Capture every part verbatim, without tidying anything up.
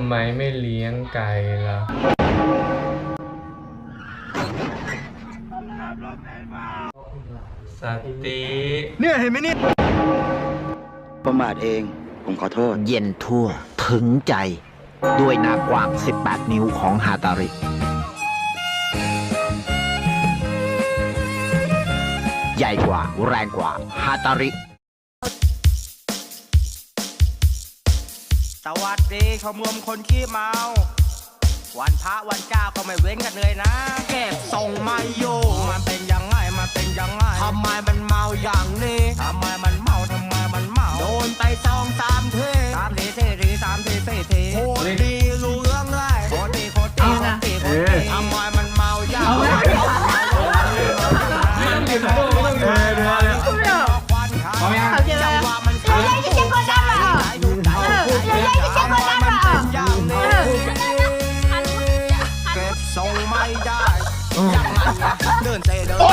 ำไมไม่เลี้ยงไก่ล่ะสติเนี่ยเห็นไหมเนี่ยประมาทเองผมขอโทษเย็นทั่วถึงใจด้วยหน้ากว้างสิบแปดนิ้วของฮาตาริใหญ่กว่าแรงกว่าฮาตาริสวัสดีชมรมคนขี้เมาวันพระวันเจ้าก็ไม่เว้นกันเลยนะเก็บส่งมาอยู่มันเป็นยังไงมันเป็นยังไงทำไมมันเมาอย่างนี้ทำไมมันเมาทำไมมันเมาโดนไปสองสามทีสามทีสี่ทีสามทีสี่ทีโคตรดีรู้เรื่องเลยโคตรดีโคตรดีโคตรดีโคตรดีทำไมมันเมาอย่างนี้จังหวะมันเขาเลยจะเช็คคนดังเหรอเออเลยจะเช็คคนดังเหรอเก็บทรงไม่ได้ยังไงเดินเตะเดิน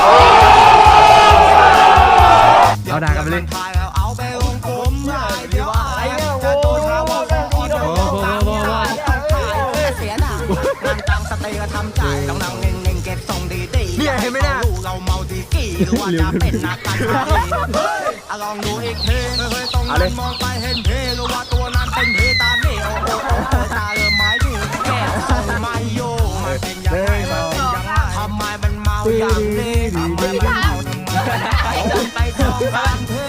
เอาด่ากันไปเลยเอาไปลงกลมเลยเดี๋ยวอะไรจะโดนหาว่าเป็นคนโอ้โหเสียหน้านั่งตั้งสติก็ทำใจต้องนั่งเง่งๆเก็บทรงดีๆเนี่ยเห็นไหมเนี่ยเราเมาดีกี่หรือว่าจะเป็นนักการเมืองลองดูอีกทีไม่เคยตรงนั้นมองไปเห็นเพหรือว่าตัวนั้นเป็นเพตาเนี่โอ้โหตาเริ่มไม้ดูแก่ส่งไม่โยมันเป็นยังไงมันเป็นยังไงทำไมมันเมาอย่างนี้ทำไมมันเมาทำไมไปสองสามที